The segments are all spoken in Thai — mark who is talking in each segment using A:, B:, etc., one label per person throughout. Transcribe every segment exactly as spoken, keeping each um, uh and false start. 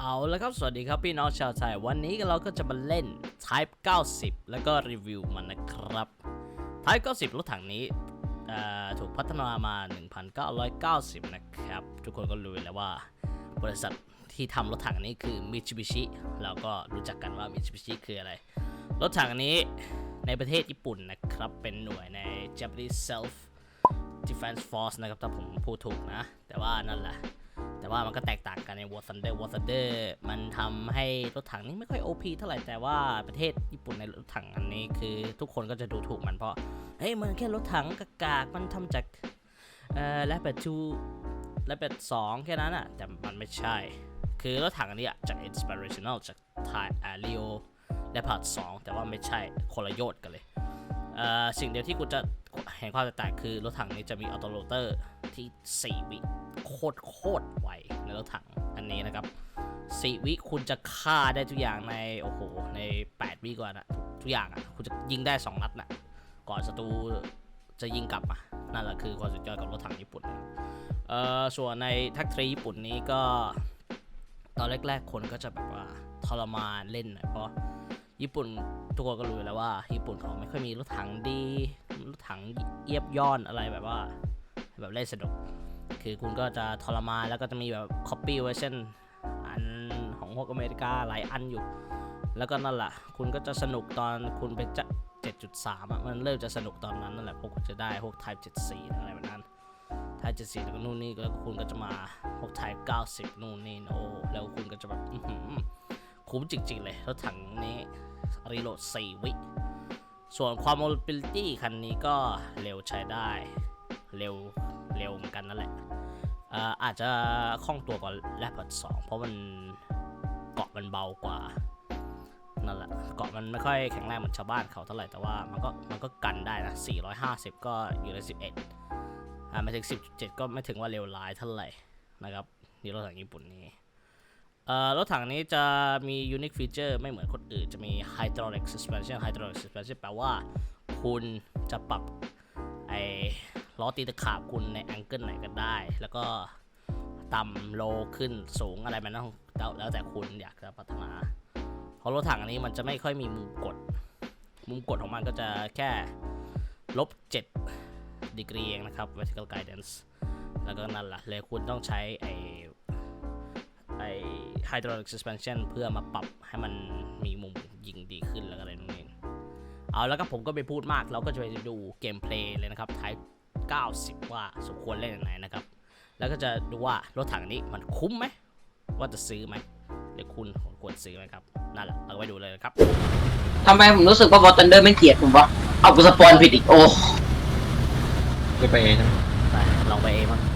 A: เอาแล้วครับสวัสดีครับพี่น้องชาวไทยวันนี้เราก็จะมาเล่น Type เก้าสิบแล้วก็รีวิวมันนะครับ Type เก้าสิบรถถังนี้ถูกพัฒนามา หนึ่งพันเก้าร้อยเก้าสิบ นะครับทุกคนก็รู้แล้วว่าบริษัทที่ทำรถถังนี้คือ Mitsubishi เราก็รู้จักกันว่า Mitsubishi คืออะไรรถถังนี้ในประเทศญี่ปุ่นนะครับเป็นหน่วยใน Japanese Self Defense Force นะครับถ้าผมพูดถูกนะแต่ว่านั่นแหละแต่ว่ามันก็แตกต่างกันใน War Thunder War Thunder มันทำให้รถถังนี้ไม่ค่อย โอ พี เท่าไหร่แต่ว่าประเทศญี่ปุ่นในรถถังอันนี้คือทุกคนก็จะดูถูกมันเพราะเฮ้ยมันแค่รถถังกากๆมันทำจากเอ่อแรปเปอร์ทูแรปเปอร์สองแค่นั้นอ่ะแต่มันไม่ใช่คือรถถังอันนี้จาก inspirational จากไทยอ่าลีโอและพาร์ทสองแต่ว่าไม่ใช่คนละโยชน์กันเลยเอ่อสิ่งเดียวที่กูจะเห็นความแตกต่างคือรถถังนี้จะมีออโตโรเตอร์ที่สี่วิโคตรโคตรไวในรถถังอันนี้นะครับสี่วิคุณจะฆ่าได้ทุกอย่างในโอ้โหในแปดวิก่อนนะทุกอย่างอ่ะคุณจะยิงได้สองนัดน่ะก่อนศัตรูจะยิงกลับอ่ะนั่นแหละคือความสุดยอดกับรถถังญี่ปุ่นเอ่อส่วนในทักทรีญี่ปุ่นนี้ก็ตอนแรกๆคนก็จะแบบว่าทรมานเล่นหน่อยเพราะญี่ปุ่นทุกคนก็รู้แล้วว่าญี่ปุ่นเขาไม่ค่อยมีรถถังดีรถถังเอียบย่อนอะไรแบบว่าแบบเล่นสนุกคือคุณก็จะทรมานแล้วก็จะมีแบบ copy version อันของพวกอเมริกาหลายอันอยู่แล้วก็นั่นแหละคุณก็จะสนุกตอนคุณไปจะ เจ็ดจุดสาม อ่ะมันเริ่มจะสนุกตอนนั้นนั่นแหละพวกคุณจะได้พวก Type เจ็ดสิบสี่อะไรแบบนั้น Type เจ็ดสิบสี่แล้วก็นู่นนี่แล้วคุณก็จะมาพวก Type เก้าสิบนู่นนี่โอ้แล้วคุณก็จะแบบคุ้มจริงๆเลยรถถังนี้รีโหลดสี่วิส่วนความ mobility คันนี้ก็เร็วใช้ได้เร็วเร็วเหมือนกันนั่นแหละอ่าอาจจะคล่องตัวกว่าแรปเปอร์สองเพราะมันเกาะมันเบากว่านั่นแหละเกาะมันไม่ค่อยแข็งแรงเหมือนชาวบ้านเขาเท่าไหร่แต่ว่ามันก็มันก็กันได้นะสี่ร้อยห้าสิบก็อยู่ในสิบเอ็ดอ่ามาถึง สิบจุดเจ็ด ก็ไม่ถึงว่าเร็วร้ายเท่าไหร่นะครับนี่รถถังญี่ปุ่นนี้เอ่อรถถังนี้จะมี unique feature ไม่เหมือนคนอื่นจะมี hydraulic suspension hydraulic suspension แปลว่าคุณจะปรับไอ้ล้อตีตะขาบคุณในแองเกิลไหนก็ได้แล้วก็ต่ำโลขึ้นสูงอะไรมันต้องแล้วแต่คุณอยากจะพัฒนาเพราะรถถังอันนี้มันจะไม่ค่อยมีมุมกดมุมกดของมันก็จะแค่ลบเจ็ดดีกรีเองนะครับ vertical guidance แล้วก็นั่นแหละเลยคุณต้องใช้ไอไอ hydraulic suspension เพื่อมาปรับให้มันมีมุมยิงดีขึ้นแล้วอะไรนู่นนี่เอาแล้วก็ผมก็ไปพูดมากเราก็จะไปดูเกมเพลย์เลยนะครับ Type เก้าสิบว่าสมควรเล่นยังไงนะครับแล้วก็จะดูว่ารถถังนี้มันคุ้มไหมว่าจะซื้อไหมหรือคุณควรซื้อไหมครับนั่นแหละเราไปดูเลยครับ
B: ทำไมผมรู้สึกว่า War Thunder ไม่เกลียดผมวะเอากูสปอนผิดอีกโอ้
C: จะไปเองใช่ไหม
A: ไปลองไปเองมั้ง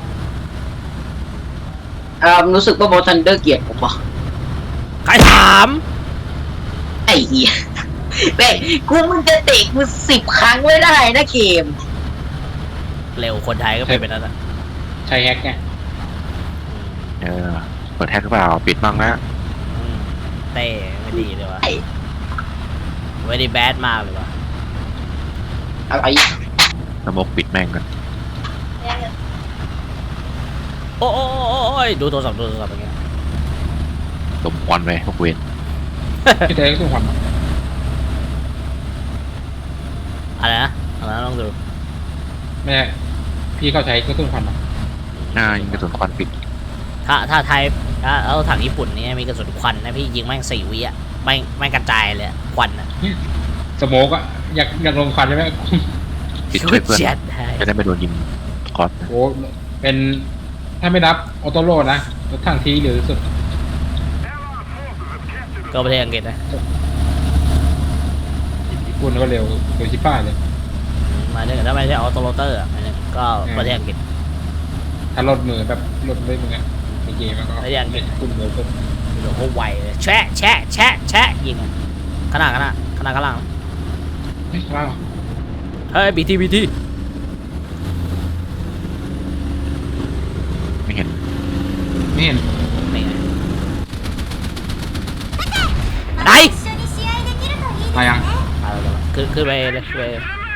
B: อ่ารู้สึกว่า War Thunder เกลียดผมวะ
A: ใครถาม
B: ไอ้เหี้ยเบ้กูมึงจะเตะกูสิบครั้งไม่ได้นะเกม
A: เร็วคนไทยก็เป็นแบบนั้นอ่ะ
C: ใช้แฮกไง
D: เออเปิดแฮกหรือเปล่าปิดบ้างนะ
A: เต้ไม่ดีเลยวะไม่ได้แบดมากเลยวะ
B: อะไร
D: สมกปิดแม่งกัน
A: โอ้โอ้ยดูโทรศัพท์ดูโทรศัพท์อย่างเงี้ย
D: สมควันไปพวกเวน
C: พี่เต้ก็ต้องควัน
A: อะไรนะอะไรนะลองดู
C: แม่พี่เข้าใช้ก็ต้องควันมา
D: หน้ายิงกระสุนควันปิด
A: ถ้าถ้าไทยถ้าเอาถังญี่ปุ่นนี่มีกระสุนควันนะพี่ยิงแม่งสี่วิอ่ะไม่ไม่กระจายเลยควันอ่ะ
C: สโมกอ่ะอยากอยากลงควันใช่ไหม
D: ปิดช่วยเพื่อนจะได้ไม่โดนยิงคอส
C: โอ้เป็นถ้าไม่รับออโต้โร่นะรถถังทีหรือสุด
A: ก็ประเทศอังกฤษนะ
C: ญี่ปุ่นก็เร็วเร็วชิบ้าเลย
A: มาเนี่ยถ้าไม่ใช่ออโตโรเตอร์อ่ะก็ประเทศอังกฤษ
C: ถ้ารถมือแบบรถด้วยมึงอ่ะในเกมมันก็
A: ประเทศอังกฤษ
C: คุณเร็วขึ้น
A: โอ้โหไวเลยแชะแชะแชะแชะยิงอ่ะขนาดขนาดขนาดข้างล่าง
C: เฮ้ยข้างล่าง
A: เฮ้ยบีทีบีที
D: ไม่เห็น
C: ไม่เห็น
A: ไม่ไงไหน
C: มายัง
A: คือคือไปเลยไป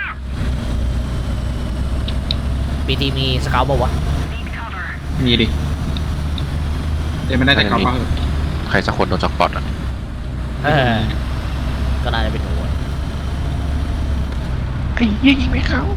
A: บีทีมีสเกลบอกวะ
C: มีดิเดี๋ยวมันได้แต่เขาเขา
D: ถใครสักคนโดนจ็อกปอตอ่ะ
A: เออก็น่าจะเป็นหนูอะ
D: ไอ้เหี้ยยิงไม่เข้า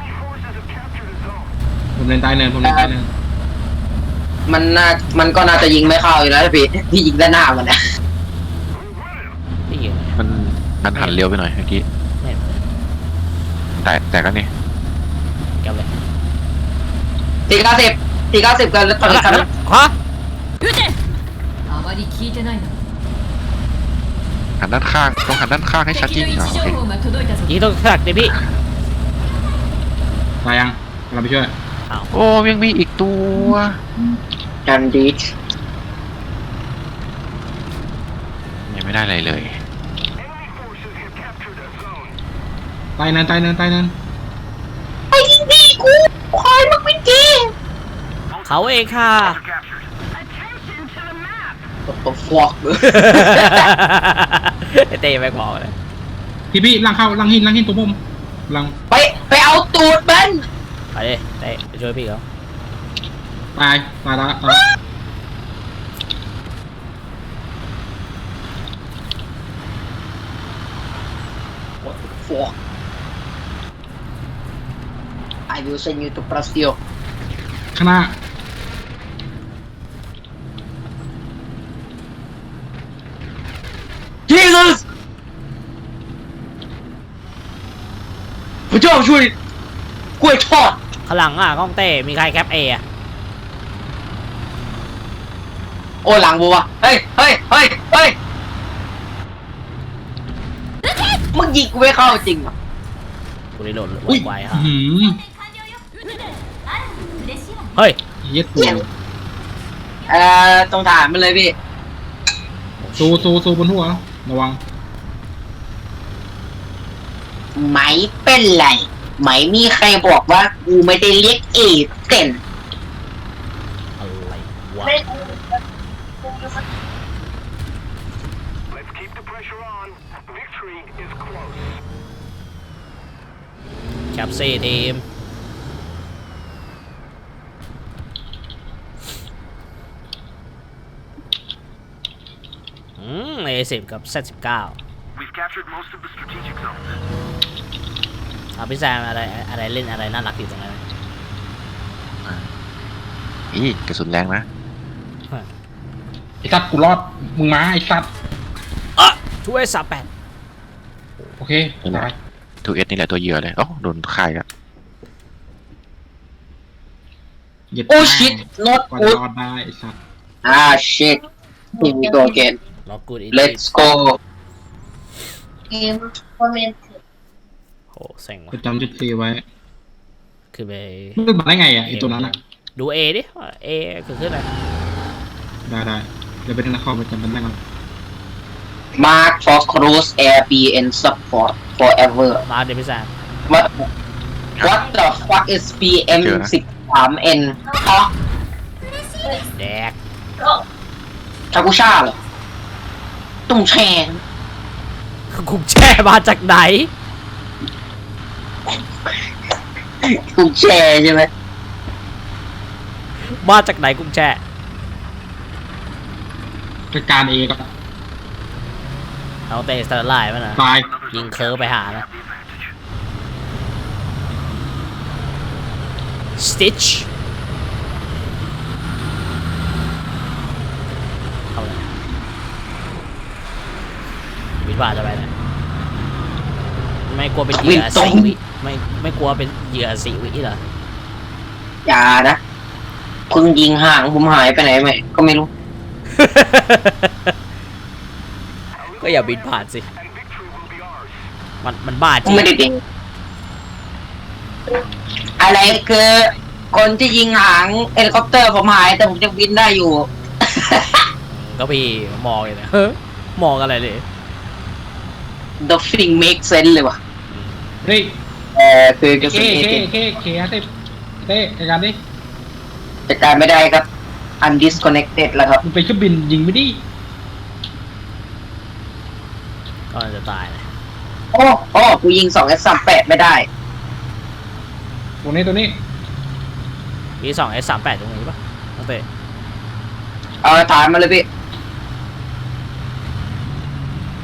C: ผมเล่นใต้เนินผมเล่นใต้เนิน
B: มันน่ามันก็น่าจะยิงไม่เข้าอยู่แล้วพี่พี่ยิงด้านหน้ามันนะ
A: พี่ยิง
D: มันมันหันเร็วไปหน่อยเมื่อกี้
A: ไม่เห็น
D: แต่แต่ก็นี่
A: แก้วเลย
B: สี่เก้าสิบสี่เก้าสิบกันแล้วตอนนี้ครับ
A: ขวา
E: あまり聞いてないな
D: หันด้านข้างต้องหันด้านข้างให้ชัดจริง
E: 敵の位
D: อ่ะ
E: 置
D: โอเค
E: 情報が届いたぞ
A: ยิงต้องขักดิพี่
C: ตายยังเราไปช่วย
A: อ้าว
D: โอ้ยังมีอีกตัว
B: จันดีช
D: ยังไม่ได้อะไรเลย
C: ใต้เนินใต้เนินใต้เนิน
B: ไอ้นี่กูคอยมันไม่จริง
A: เขาเองค่ะ
B: ตัวฟอก
A: ไอเต้แม็กบอกเลย
C: พี่พี่ลังเข้าลังหินลังหินตัวผมลัง
B: ไปไปเอาตูดมัน
A: ไปดิเต้ไปช่วยพี่เขา
C: ตายตายละตาย
B: ฟอก I will send you to Brazil
C: ข้างหน้า
B: Jesus พระเจ้าช่วยกล้วยทอด
A: ข้างหลังอ่ะกล้องเต้มีใครแคปเออะ
B: โอ้หลังบัวเฮ้ยเฮ้ยเฮ้ยเฮ้ยมึงยิงกูไม่เข้าจริงเหรอ
A: กูได้โหลด
C: อุ้ย
A: ไวๆฮะ
C: หืม
A: เฮ้ย
C: เย็ดตัว
B: เอ่อตรงฐานมันเลยพี่
C: ซูซูซูบนหัวระวัง
B: ไม่เป็นไรไม่มีใครบอกว่ากูไม่ได้เรียกเอเต็น
A: อะไรวะ
F: Let's keep the pressure on. Victory is close.
A: แคปซี่ทีมอืมเอสิบกับเซตสิบเก้า
F: We've captured most of the strategic zones.
A: เอาพี่แซมอะไรอะไรเล่นอะไรน่ารักอยู่ตรงนั้น
D: อีกระสุนแรงนะ
C: ไอ้สัตว์กูรอดมึงมาไอ้สัตว์
A: อ่ะช่วยสามแปด
C: โอเคตาย
D: ทูเอสนี่แหละตัวเหยื่อเลยโอ้โดนค่ายแล้ว
C: เหยียด
B: โอ้ชิต not
C: กว่า
B: good
C: รอดได้ไอ้สัตว์
B: อ่า shit here we go again
A: ล็อกกูดอี
B: let's go
A: โหเซ็งว่ะ
C: จะจำจุดฟรีไว้
A: คือไป
C: มันมาได้ไงอ่ะไอ้ตัวนั้นอ่ะ
A: ดูเอดิเอคือขึ้นอะไร
C: ได้ได้เดี๋ยวไปดูนะคอมไปจำมันได้ก่อน
B: mark for cruise air b and support forever
A: มาเดี๋ยวพี่แซม
B: what what the fuck is พี เอ็ม สิบสาม เอ็น ฮะ
A: แดก
B: ชากุช่าเหรอตุ้งแชง
A: กุงแช่มาจากไหน
B: ตุ้งแชใช่ไหม
A: มาจากไหนกุงแช่
C: จัดการเอกับ
A: เอาเตะสตาร์ไลน์มานะ
C: ตาย
A: ยิงเคิร์ฟไปหานะ Stitch เข้าเลยวิทย์ว่าจะไปไหนไม่กลัวเป็นเหยื่อสีวิไม่ไม่กลัวเป็นเหยื่อสีวิเหรอ
B: อย่านะเพิ่งยิงห่างผมหายไปไหนไหมก็ไม่รู้
A: ก็อย่าบินผ่านสิ
F: And victory will be ours.
A: มันมันบ้าจ
B: ผม
A: ริง
B: ไม่ได้ดิงอะไรคือคนที่ยิงหางเฮลิคอปเตอร์ผมหายแต่ผมจะบินได้อยู่
A: ก็พี่มองเลยนะเฮ้ยมองอะไรเลย
B: The thing make sense เลยว่ะ
C: เฮ้ย
B: เออคือกระ
C: เค
B: สุนเอ
C: เค
B: เจ
C: เคเคฮะเต้เต้จัดการดิ
B: จัดการไม่ได้ครับ undisconnected แล้วครับ
C: มึงไปเครื่องบินยิงไม่ดิ
A: ก็จะตายนะ
B: โอ้โอ้กูยิงสอง เอส สามแปดไม่ได้
C: ตัวนี้ตัวนี้
A: มีสองเอสสามแปดตรงนี้ปะน้องเต้
B: เอาฐานมาเลยพี่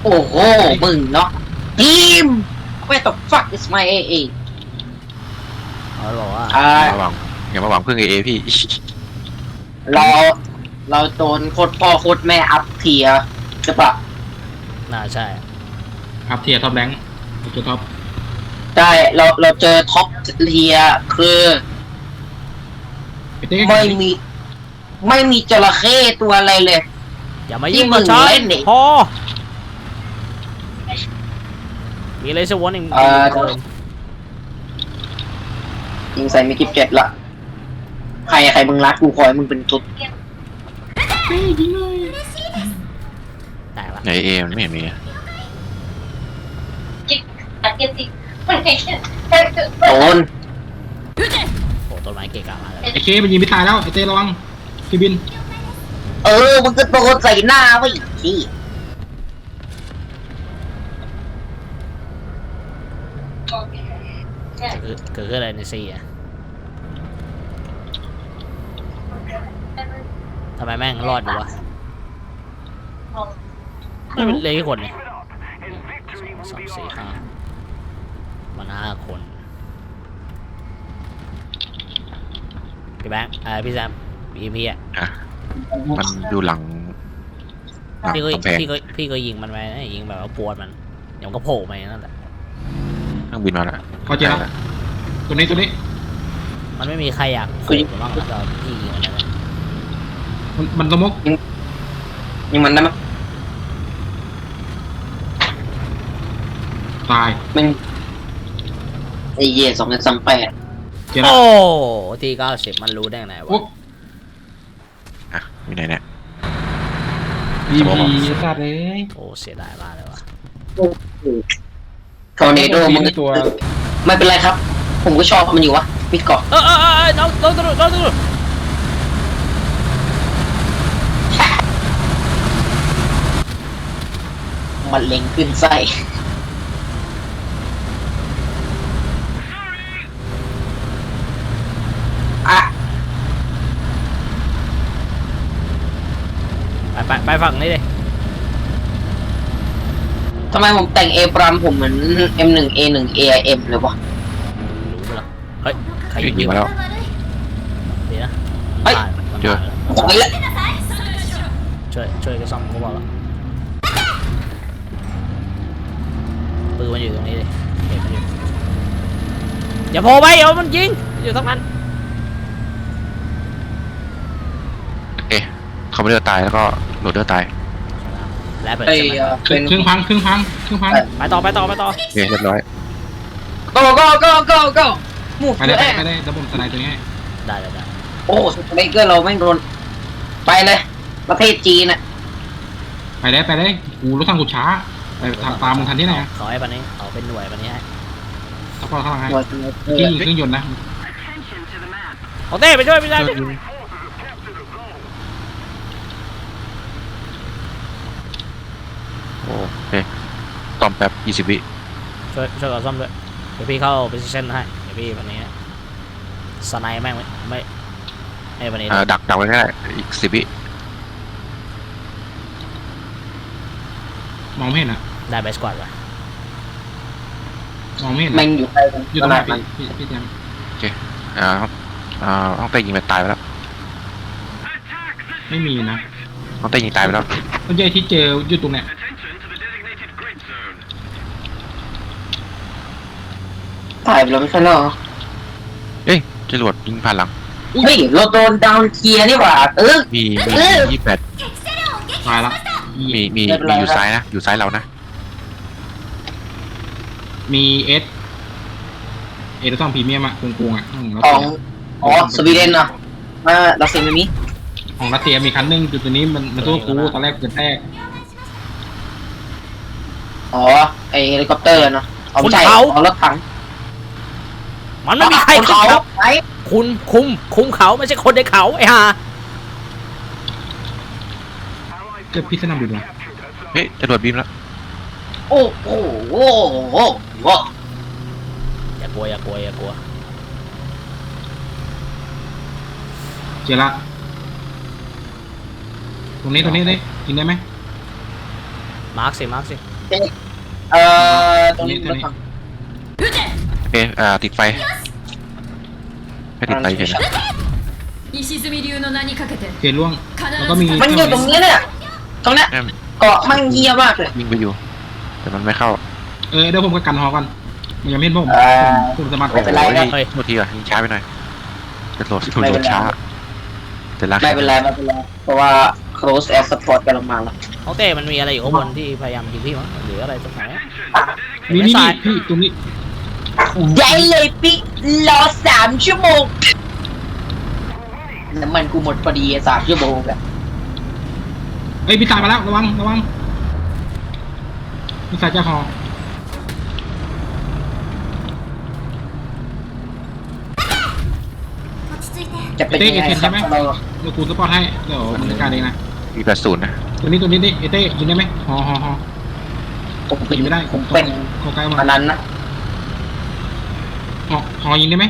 B: โอ้โหมึงเนาะทีม Where the fuck is my เอ เอ
A: เขาบอกว่า
B: อ่า
D: อย่ามาหวังอย่ามาหวังพึ่งเอเอพี่
B: เราเราโดนโคตรพ่อโคตรแม่อัพเทียใช่ปะ
A: น่าใช่
C: อัพเทียร์ท็อปแรงค์ตัวท็อป
B: ใช่เราเราเจอท็อปเทียคือ
C: ไอ้เต้
B: ไม่มีไม่มีจระเข้ตัวอะไรเลย
A: อย่ามา
B: ที่
A: ยุ่ง
B: มึ
A: กับ
B: ง
A: ฉัน
B: เล่นดิ
A: พอมีอะไรสักวันหนึ่ง
B: เอ่อ
A: เกิน
B: ยิงใส่ไม่กิบเจ็ดละใครใครมึงรักกูคอยมึงเป็นตุ๊ด
A: แตกละ
D: ในเอมันไม่เห็นมีอะ
B: โดน
A: โอ้ต้นไม้เกะกะมากเลย
C: ไอ้เคมันยิงไม่ตายแล้วไอ้เต้ระวังพี่บิน
B: เออมึงก็โดนใส่หน้าไว้อีกที
A: เกิดเกิดขึ้นอะไรในซีอ่ะทำไมแม่งรอดอยู่วะไม่เป็นเลยกี่คนเนี่ย
F: And victory
A: ส
F: will
A: อง
F: be
A: สี่
F: ours.
A: ห้ามันห้าคนพี่แบงค์เอ่อพี่แซมพี่พี่อ่ะ
D: อ่ะมันอยู่หลังหลัง
A: พี่ก็
D: กำแพง
A: พี่ก็พี่ก็ยิงมันไปนะยิงแบบว่าปวดมันเดี๋ยวมันก็โผล่มาอย่างนั่นแหละ
D: เครื่องบินมาแล้ว
C: พอเจอแล้วตัวนี้ตัวนี้
A: มันไม่มีใครอยากโผล่หรือบ้างนะตอนพี่ยิงมันนะ
C: มันมันสมก
B: ยิงมันได้ไหม
C: ตาย
B: มันไอ้เย่สองพันสามแปด
C: เจอแล้ว
A: โอ้ทีเก้าสิบมันรู้ได้ไง
C: โอ้
A: วะ
D: อ่ะอยู่ไหนเนี่ย
C: ดีพีสัตว์เลย
A: โอ้เสียดายมากเลยวะ
B: ทอร์เนโดมึง
C: ตัว
B: ไม่เป็นไรครับ ผมก็ชอบมันอยู่วะมิดเกาะ
A: เออเออเออน้องน้องตำรวจน้องตำรวจ
B: มันเล็งขึ้นไส้อะ
A: ไปไปไปฝั่งนี้ดิ
B: ทำไมผมแต่งเอปรามผมเหมือน เอ็ม หนึ่ง เอ หนึ่ง เอ ไอ เอ็ม เลยวะ
A: รู้ปะล่ะเฮ้ยใคร
D: ยิ
A: ยิ
D: ง
A: ง
D: มาแล้ว
A: ดีนะ
B: เฮ้ย
A: มัน
D: เจอ
A: ตายแล้ว
B: ไปละ
A: ช่วยช่วยกันซ่อมเขาบอกแล้วปืนมันอยู่ตรงนี้ดิเห็นมันอยู่อย่าโผล่ไปเดี๋ยวมันยิงอยู่ตรงนั้น
D: เอ๊ะเขาไม่เลือดตายแล้วก็โหลดเลือดตาย
A: และเปิด
B: ไอ้
A: ใช่ไหม
B: เอ่อเป็น
C: ครึ่งพังครึ่งพังครึ่งพัง
A: ไปต่อไปต่อไปต่อ
D: โอเคเรียบร้อย
B: go go go go go มูฟ
C: ไปได้
B: แอ
C: ไปได้แล้วผมสไนด์ตัวนี้ให้
A: ได้ได้ได้
B: โอ้สไนเกอร์เราแม่งโดน ไปเลย ประเทศจีนน่ะ
C: ไปได้ไปได้กูรถทางกูช้าไปตามตามมึงทันที่ไหนอะ
A: ขอให้ปันนี้ขอเป็นหน่วยปันนี้ให้
C: ถ้าพอเข้ามาให้
B: หน่วย
C: เครื่องยิงเครื่องยนต์นะ
A: ของเต้ไปช่วยพี่แซม
C: เครื่องยิง
D: โอเคตอมแป๊บยี่สิบวิ
A: ช่วยช่วยกับซ่อมด้วยเดี๋ยวพี่เข้า position ให้เดี๋ยวพี่ปันนี้สไนแม่งไม่ไม่ไอ้ปันนี้
D: อ่าดักดักไว้ก็ได้อีกสิบวิ
C: มองไม่เห็นอ่ะ
A: ได้เบสกอดว่ะ
C: มองไม่เห็น
B: แม่งอยู่ใกล้กัน
C: อยู่
B: ข
C: ตรงไหน
B: นาดนั้น
C: พี่พี่พี่แจม
D: อ่าอ่าห้องเต้ยิงไปตายไปแล้ว
C: ไม่มีนะ
D: ห้องเต้ยิงตายไปแล้ว
C: ต้นใหญ่ที่เจออยู่ตรงเนี้ย
B: ถ่ายไปแล้วไม่ใช่เหรอ
D: เอ้ยจรวดยิงผ่านหลัง
B: เฮ้ยเราโดนดาวน์เทียร์นี่หว่า เออ
D: มีมี
B: เออ
D: ยี่สิบแปด
C: ตายละ
D: มีมี
B: ไม่เป็นไร
D: มีอยู่
B: ครับ
D: ซ้ายนะอยู่ซ้ายเรานะ
C: มีเอสเอสต้องพรีเมียมอะกงๆอ่ะอืมแล้ว
B: ของอ๋อสวีเดนเนาะมาเราเซ็นอันนี้
C: ของรัสเซียมีคันหนึงจุดตัวนี้มันมันตัวกูตอนแรกเกิดแรก
B: อ๋อไอเฮลิคอปเตอร์เนาะเอาไม่ใช่ของรถถัง
A: มันไม่มีใคร
B: คน
A: ขึ้น
B: เขา
A: เขา
B: ไหน
A: คุณคุมคุมเขาไม่ใช่คนในเขาไอ้ห่า
C: เจอพิษสนามบินวะ
D: เฮ้ยจรวดบินแล้ว
B: โอ้โหโอ้โหโอ้โห
A: อย่ากลัวอย่ากลัวอย่ากลัว
C: เจอละตรงนี้ตรงนี้ได้ยิงได้ไหม
A: มาร์คสิมาร์คสิ
B: เอ่อตรงนี้รถถัง
E: 撃て
D: โอเคอ่าติดไฟไม่ติดไฟเฉยนะ
E: 石積み流の名にかけて
C: เกล่วง
E: 必
C: แล้วก็มี
E: ず
B: มันอยู่ตรงนี้เนี่ยตรงเนี้ย
D: แม่ง
B: เกาะมันเยียมากเลย
D: ยิงไปอยู่ แต่มันไม่เข้า
C: เออเดี๋ยวผมก็กันฮอกันมันยังไม่เห็นผม
B: เอ่อ
C: ผมสามารถ
B: ไม่เป็นไรนะ
D: โอ้ยโทษทีอ่ะยิงช้าไปหน่อยจะโหลดโหล
B: ไม่เป็
D: ด
B: นไร
D: ช้าแต่ละ
B: ไม่เป็นไรไม่เป็นไรเพราะว่า close air support กำลังมาแล้ว
A: โอเคมันมีอะไรอยู่ข้างบนที่พยายามยิงพี่มั้งหรืออะไรตรงไหน
C: นี่นี่นี่พี่ตรงนี้
B: ได้เลยปิ๊กรอสามชั่วโมงน้ำมันกูหมดพอดีสามชั่วโมงอะ
C: เอ้ยพี่ตายมาแล้วระวังระวังมีสายเจ้าฮอ
B: จะเป็นยังไงครับเรา
C: เดี๋ยวกูสปอร์ตให้เดี๋ยวมันจัดการเองนะ
D: มีแปดศูนย์นะ
C: ตัวนี้ตัวนี้นี่เอเต้ยิงได้ไหมฮอฮอฮอ
B: ผมเป็น
C: ยิงไม่ได้
B: ผมเป็น
C: เข้าใกล้มา
B: อันนั้นนะ
C: ฮอฮอยิงได้ไหม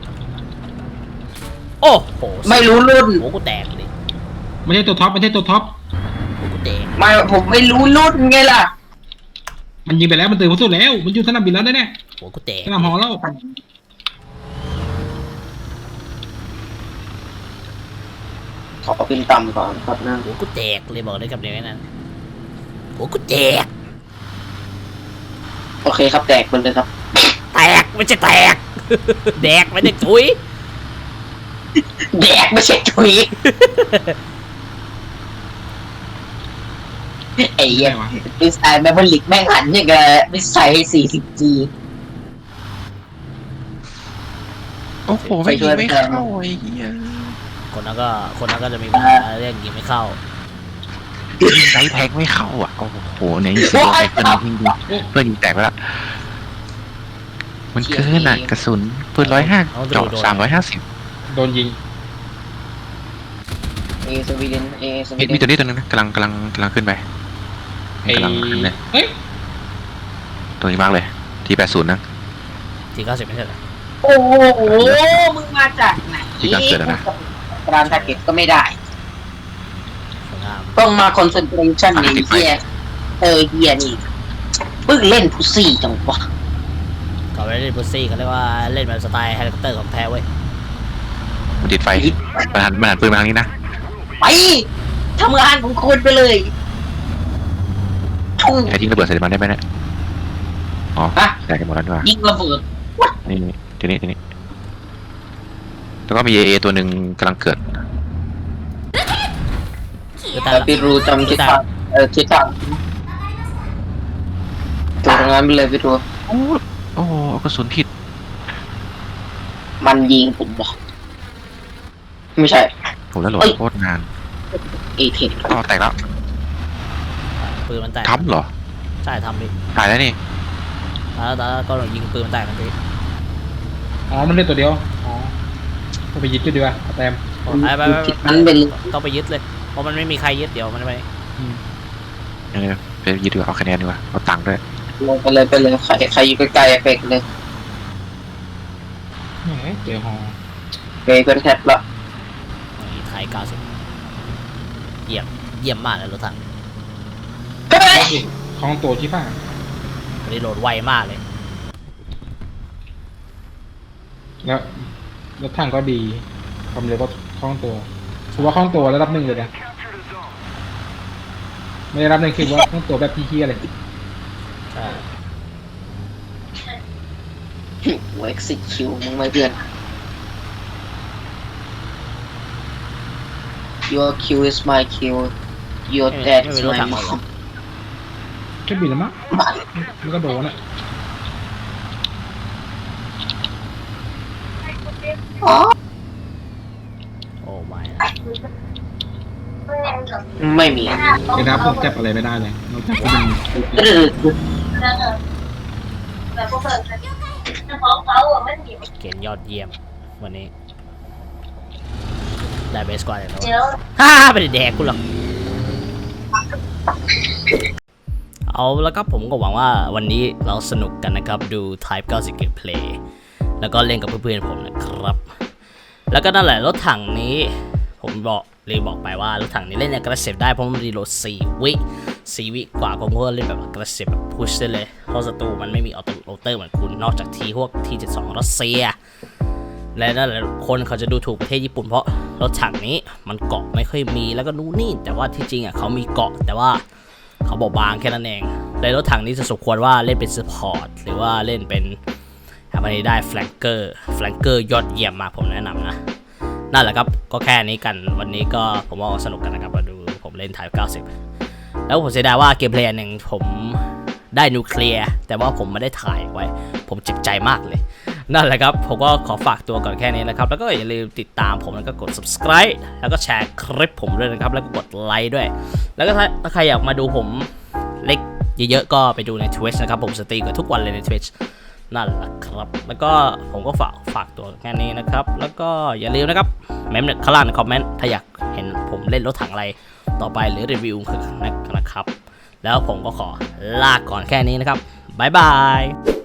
A: โอ้โห
B: ไม่รู้รุ่น
A: โอ้กูแตกเลย
C: ไม่ใช่ตัวท็อปไม่ใช่ตัวท็อป
A: โอ้กูแตก
B: ไม่ผมไม่รู้รุ่นไงล่ะ
C: มันยิงไปแล้วมันตื่นมาสุดแล้วมันอยู่สนามบินแล้วแน่
A: โอ้กูแตก
C: ๆสนามฮอแล้ว
B: ขอขึ้นต่ำก่อนครับนะ
A: โอ้กูแตกเลยบอกได้กับเดียวนั้นโอ้กูแตก
B: โอเคครับแตกไปเลยครับ
A: แตกไม่ใช่แตก แดกไม่ได้ถุย
B: แดกไม่ใช่ถุยไอ้เหี้ยดีไซน์แมปลิกแม่งหันอย่างกับดีไซน์สี่สิบจี
D: โอ้โหไม่ยิงไม่เข้าไอ้เหี้ย
A: คนนั้นก็คนนั้นก็จะมีปัญหาเรื่องยิงไม่เข้า
D: ยิงไซส์แทงไม่เข้าอ่ะโอ้โหเนี่ยยิงเพื่อนยิงเพื่อนยิงแตกไปแล้วมันเกินอ่ะกระสุนปืนร้อยห้าเจาะสามร้อยห้าสิบ
C: โดนยิง
B: เอสวีเดนเอสวี
D: มี
B: เด
D: มี
B: น
D: ตัวนี้ตัวนึงนะกำลังกำลังกำลังขึ้นไป
C: ไอ้
D: กำลังขึ้นเลย
C: เฮ้ย
D: ตัวนี้มากเลยทีแปดศูนย์นะ
A: ทีเก้าสิบไม่ใช่เหรอ
B: โอ้โหมึงมาจากไหน
D: ที่การเกิดอะนะ
B: การทาร์เก็ตก็ไม่ได้
A: สวยงาม
B: ต้องมาคอนเซนเทรชั่นในเฮียเออเฮียนี่เพิ่งเล่นพุซี่จังวะ
A: เขาไม่ได้เล่นบุซี่เขาเรียกว่าเล่นแบบสไตล์เฮลิคอปเตอร์ของแท้เว้ย
D: มันติดไฟมันหันมันหันปืนมาทางนี้นะ
B: ไปทำงานของคุณไปเลยทุ่ง
D: ไอ้ทิ้งระเบิดใส่มันได้ไหมเนี่ยอ๋อ
B: ฮะ
D: แตกกันหมดแล้วด้วย
B: ยิงระเบิด
D: นี่นี่ทีนี้ทีนี้แล้วก็มีเอเอตัวหนึ่งกำลังเกิด
A: คือแต่
B: แต่พี่รู้จำทิศทางเออทิศทางตัวงานไปเลยพี่รู้
D: โอ้โอ้กระสุนผิด
B: มันยิงผมบอกไม่ใช่
D: ผมแล้วโหลด
B: เอ้ย
D: โคตรนาน
B: เอเทน
D: อ๋อแตกแล้ว
A: ปืนมันแตก
D: ทำเหรอ
A: ใช่ทำดิ
D: ตายแล้วนี่
A: แล้วแล้วก็ยิงปืนมันแตกทันที
C: อ๋อมันเล่นตัวเดียวอ๋อต้องไปยึดจุดดีกว่าเอาแต้ม
A: ไปไปไป
B: ทิศนั้นเป็น
A: ต้องไปยึดเลยเพราะมันไม่มีใครยึดเดี๋ยวมันไป
D: เออไปยึดดีกว่าเอาคะแนนดีกว่าเอาตังค์ด้วย
B: ลงไปเลยไปเลยใครใครอยู่ใกล้ๆไปเลย
C: แหมเจอฮอ
B: ไปเป็นแทบละ
A: นี่ไทยเก้าสิบเยี่ยมเยี่ยมมากเลยรถถัง
B: เฮ้ย
C: คลองตัวชิฟ้า
A: วันนี้โหลดไวมากเลย
C: แล้วรถถังก็ดีความเร็วก็คล่องตัวถือว่าคล่องตัวระดับหนึ่งเลยนะไม่ได้รับหนึ่งคือว่าคล่องตัวแบบพี่เฮียเลย
A: ใช่
B: หัวเอ็กซิคิวมึงไม่เพื่อน Your kill is my kill Your
A: ไม่
B: dad
A: ไม่
B: is
A: มีรถ
B: my
A: ถังหรอก
B: mom
C: แค่บินแล้วมั้งมันก็โดนอ่ะ
B: อ๋อ
A: โอ้ไม่
B: ไม่มี
C: เดี๋ยวนะผมจับอะไรไม่ได้เลยนอกจากที่มัน
B: เออ
A: เกณฑ์ยอดเยี่ยมวันนี้ได้เบสกว่าแล้วฮ่าไม่ได้แดกกูหรอกเอาแล้วครับผมก็หวังว่าวันนี้เราสนุกกันนะครับดู Type เก้าสิบ Gameplay แล้วก็เล่นกับเพื่อนๆผมนะครับแล้วก็นั่นแหละรถถังนี้ผมบอกเลยบอกไปว่ารถถังนี้เล่นในกระเสพได้เพราะมันรีโหลดสี่วิสี่วิกว่าผมก็เล่นแบบกระเสียบแบบพุชได้เลยเพราะศัตรูมันไม่มีออโต้โรเตอร์เหมือนคุณนอกจากทีพวกทีเจ็ดสิบสองรัสเซียและนั่นแหละคนเขาจะดูถูกประเทศญี่ปุ่นเพราะรถถังนี้มันเกาะไม่ค่อยมีแล้วก็นู่นนี่แต่ว่าที่จริงอ่ะเขามีเกาะแต่ว่าเขาบอกบางแค่นั้นเองในรถถังนี้จะสมควรว่าเล่นเป็นซัพพอร์ตหรือว่าเล่นเป็นทำอะไรได้แฟลงเกอร์แฟลงเกอร์ยอดเยี่ยมมากผมแนะนำนะนั่นแหละครับก็แค่นี้กันวันนี้ก็ผมว่าสนุกกันนะครับมาดูผมเล่นTypeเก้าสิบแล้วผมเสียดายว่าเกมเพลย์หนึ่งผมได้นิวเคลียร์แต่ว่าผมไม่ได้ถ่ายไว้ผมเจ็บใจมากเลยนั่นแหละครับผมก็ขอฝากตัวก่อนแค่นี้นะครับแล้วก็อย่าลืมติดตามผมแล้วก็กด subscribe แล้วก็แชร์คลิปผมด้วยนะครับแล้วก็กดไลค์ด้วยแล้วก็ถ้าใครอยากมาดูผมเล็กเยอะๆก็ไปดูใน Twitch นะครับผมสตรีมกันทุกวันเลยใน Twitch นั่นแหละครับแล้วก็ผมก็ฝากฝากตัวแค่นี้นะครับแล้วก็อย่าลืมนะครับเมมข้างล่างในคอมเมนต์ถ้าอยากเห็นผมเล่นรถถังอะไรต่อไปหรือรีวิวนะครับแล้วผมก็ขอลาก่อนแค่นี้นะครับบ๊ายบาย